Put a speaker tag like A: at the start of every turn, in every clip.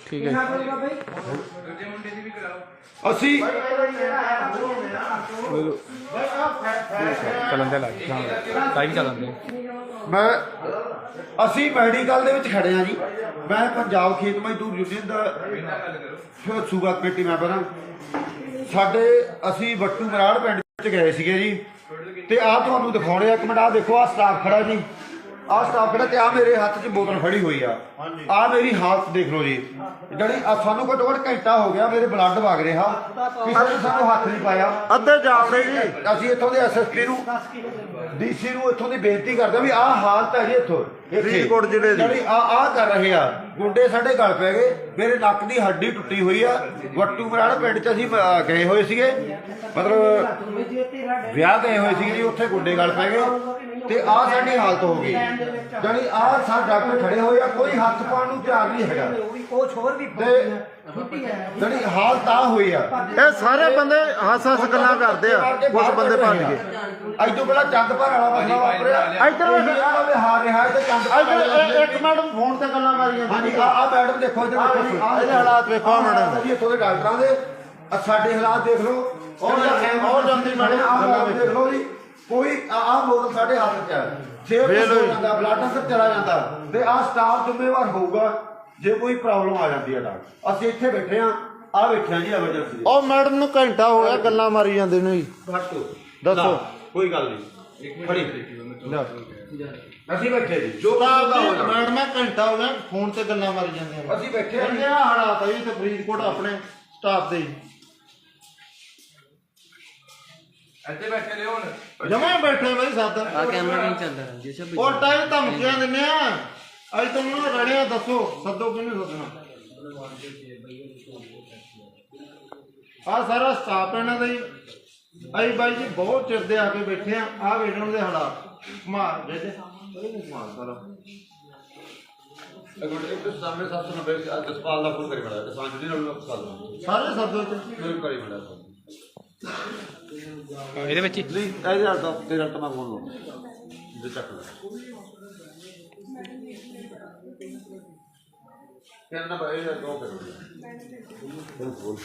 A: ठीक है
B: ਅਸੀਂ
A: चलन दे लाइव चलन दे
B: ਮੈਂ ਅਸੀਂ ਮੈਡੀਕਲ ਦੇ ਵਿੱਚ ਖੜੇ ਆ ਜੀ। ਮੈਂ ਪੰਜਾਬ ਖੇਤ ਮਜ਼ਦੂਰ ਯੂਨੀਅਨ ਦਾ ਸੂਬਾ ਕਮੇਟੀ ਮੈਂਬਰ ਹਾਂ। ਸਾਡੇ ਅਸੀਂ ਵੱਟੂ ਮਰਾੜ ਪਿੰਡ 'ਚ ਗਏ ਸੀਗੇ ਜੀ, ਤੇ ਆਹ ਤੁਹਾਨੂੰ ਦਿਖਾਉਣੇ ਆ। ਇੱਕ ਮਿੰਟ, ਆਹ ਦੇਖੋ, ਆਹ ਸਟਾਫ ਖੜਾ ਜੀ, ਆਹ ਸਟਾਫ ਖੜਾ, ਤੇ ਆਹ ਮੇਰੇ ਹੱਥ 'ਚ ਬੋਤਲ ਫੜੀ ਹੋਈ ਆ। ਆਹ ਮੇਰੀ ਹਾਲਤ ਦੇਖ ਲਓ ਜੀ, ਜਿਹੜੀ ਸਾਨੂੰ ਘੱਟੋ ਘੱਟ ਘੰਟਾ ਹੋ ਗਿਆ ਮੇਰੇ ਬਲੱਡ ਵਗ ਰਿਹਾ, ਕਿਸੇ ਨੇ ਸਾਨੂੰ ਹੱਥ ਨਹੀਂ ਪਾਇਆ।
C: ਅੱਧੇ ਜਾਵੜੇ ਜੀ।
B: ਅਸੀਂ ਇੱਥੋਂ ਦੇ ਐਸਐਸਪੀ ਨੂੰ, ਡੀਸੀ ਨੂੰ ਇੱਥੋਂ ਦੀ ਬੇਨਤੀ ਕਰਦੇ ਵੀ ਆਹ ਹਾਲਤ ਹੈ ਜੀ ਇੱਥੋਂ
C: ਫਰੀਦਕੋਟ ਜ਼ਿਲ੍ਹੇ ਦੀ,
B: ਜਿਹੜੀ ਆਹ ਕਰ ਰਹੇ ਆ ਗੁੰਡੇ ਸਾਡੇ ਗਲ ਪੈ ਗਏ। ਮੇਰੇ ਨੱਕ ਦੀ ਹੱਡੀ ਟੁੱਟੀ ਹੋਈ ਆ। ਵੱਟੂ ਮਰਾੜ ਪਿੰਡ 'ਚ ਅਸੀਂ ਗਏ ਹੋਏ ਸੀਗੇ, ਮਤਲਬ ਵਿਆਹ ਗਏ ਹੋਏ ਸੀਗੇ ਜੀ, ਉੱਥੇ ਗੁੰਡੇ ਗਲ ਪੈ ਗਏ ਤੇ ਆਹ ਸਾਡੀ ਹਾਲਤ ਹੋ ਗਈ। ਜਾਣੀ ਆਹ ਸਾਰੇ ਡਾਕਟਰ ਖੜੇ ਹੋਏ ਆ, ਕੋਈ ਹੱਥ ਪਾਉਣ ਨੂੰ ਤਿਆਰ ਨਹੀਂ ਹੈਗਾ। ਤੇ ਜਿਹੜੀ ਹਾਲਤ ਆ ਹੋਈ ਆ,
C: ਇਹ ਸਾਰੇ ਬੰਦੇ ਹੱਸ ਹੱਸ ਗੱਲਾਂ ਕਰਦੇ ਆ, ਕੁਝ ਬੰਦੇ ਭੱਜ ਗਏ।
B: ਅੱਜ ਤੋਂ ਪਹਿਲਾਂ ਚੰਦਪੁਰ ਵਾਲਾ ਮਸਲਾ ਵਾਪਰਿਆ, ਇੱਧਰ ਹਾਰ ਰਿਹਾ ਤੇ ਚੰਦਪੁਰ
C: ਇੱਕ ਮੈਡਮ ਫੋਨ ਤੇ ਗੱਲਾਂ ਮਾਰੀਆਂ।
B: ਹਾਂਜੀ, ਆਹ ਮੈਡਮ ਦੇਖੋ, ਇੱਧਰ
C: ਇਹਦੇ ਹਾਲਾਤ ਵੇਖੋ ਮੈਡਮ
B: ਜੀ, ਇੱਥੋਂ ਦੇ ਡਾਕਟਰਾਂ ਦੇ ਸਾਡੇ ਹਾਲਾਤ ਦੇਖ ਲਓ।
C: ਔਰ ਜਾਂਦੀ ਮੈਡਮ
B: ਆਹ ਦੇਖ ਲਓ ਜੀ, ਕੋਈ ਆਹ ਬੋਤਲ ਸਾਡੇ ਹੱਥ 'ਚ ਹੈ, ਸੇਬ ਜਾਂਦਾ, ਬਲੱਡ ਅੰਦਰ ਚਲਾ ਜਾਂਦਾ, ਤੇ ਆਹ ਸਟਾਫ ਜ਼ਿੰਮੇਵਾਰ ਹੋਊਗਾ ਜੇ ਕੋਈ ਪ੍ਰੋਬਲਮ ਆ ਜਾਂਦੀ ਹੈ। ਡਾਕਟਰ ਅਸੀਂ ਇੱਥੇ ਬੈਠੇ ਆ, ਆਹ ਬੈਠੇ ਆ ਜੀ ਐਮਰਜੈਂਸੀ।
C: ਉਹ ਮੈਡਮ ਨੂੰ ਘੰਟਾ ਹੋ ਗਿਆ ਗੱਲਾਂ ਮਾਰੀ ਜਾਂਦੇ ਨੂੰ ਜੀ। ਦੱਸੋ,
B: ਕੋਈ ਗੱਲ ਨਹੀਂ, ਖੜੀ ਅਸੀਂ ਬੈਠੇ ਜੀ, ਜੋ
C: ਮੈਡਮ ਮੈਂ ਘੰਟਾ ਹੋ ਗਿਆ ਫੋਨ ਤੇ ਗੱਲਾਂ ਮਾਰੀ ਜਾਂਦੇ ਆ।
B: ਅਸੀਂ ਬੈਠੇ ਆ।
C: ਇਹ ਹਾਲਾਤ ਆ ਜੀ ਤੇ ਫਰੀਦਕੋਟ ਆਪਣੇ ਸਟਾਫ ਦੇ
D: ਇੱਥੇ ਬੈਠੇ ਨੇ ਹੁਣ
C: ਜਮਾ ਬੈਠੇ ਬਈ ਸਾਦਾ
A: आ कैमरा नहीं चल रहा जैसे
C: ਉਹ ਟਾਈਮ ਧਮਕੀਆਂ ਦਿੰਦੇ ਆ। ਅੱਜ ਤੁਹਾਨੂੰ ਰੜਿਆ ਦੱਸੋ, ਸੱਦੋ ਕਿਹਨੂੰ ਸੱਦਣਾ। ਆ ਸਾਰਾ ਸਟਾਫ ਇਹਨਾਂ ਦਾ ਹੀ। ਅਸੀਂ ਬਾਈ ਜੀ ਬਹੁਤ ਚਿਰ ਦੇ ਆ ਕੇ ਬੈਠੇ ਆ। ਆਹ ਵੇਖਣ ਦੇ ਹਾਲਾਤ ਮਾਰ ਜੇ ਮਾਰ ਸਾਰਾ
B: ਇੱਕ ਸਾਹਮਣੇ 790 ਜਸਪਾਲ ਦਾ ਫੋਨ ਕਰੀ ਬੜਾ ਕਿਸਾਨ ਜੀ ਨਾਲ
C: ਸਾਰੇ ਸੱਦੋ ਚ
B: ਮੇਰੇ ਕਰੀ ਬੜਾ
A: ਇਹਦੇ ਵਿੱਚ ਹੀ
B: ਨਹੀਂ, ਇਹਦੇ ਨਾਲ ਤਾਂ ਤੇਰੇ ਨਾਲ ਤਾਂ ਮੈਂ ਫੋਨ ਲਾਉਂ ਜੇ ਚੱਕ ਲੈ ਕਹਿੰਦਾ ਭਾਈ ਇਹ ਦੋ ਕਰੋ ਬਿਲਕੁਲ।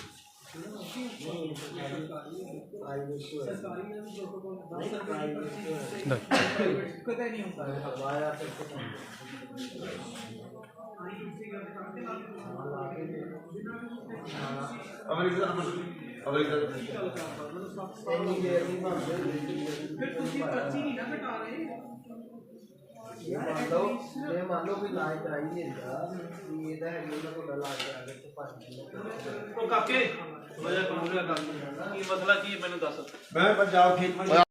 B: ਅਮਰੀਕਾ ਅਮਰੀਕਾ
E: ਫਿਰ ਤੁਸੀਂ ਪਰਚੀ ਨਹੀਂ ਨਾ ਕਟਾ ਰਹੇ।
F: ਮੰਨ ਲਓ ਕੋਈ ਇਲਾਜ ਕਰਾਈ ਨਹੀਂ ਹੁੰਦਾ ਵੀ ਇਹਦਾ ਹੈ ਉਹਨਾਂ ਕੋਲ ਇਲਾਜ ਕਰਾ ਕੇ ਤੇ ਭੱਜ
D: ਉਹ ਕਾਕੇ ਵਜ੍ਹਾ ਕਾਨੂੰਨ ਦਾ ਕੰਮ ਕੀ ਮਸਲਾ ਕੀ ਮੈਨੂੰ ਦੱਸ।
B: ਮੈਂ ਪੰਜਾਬ ਖੇਤ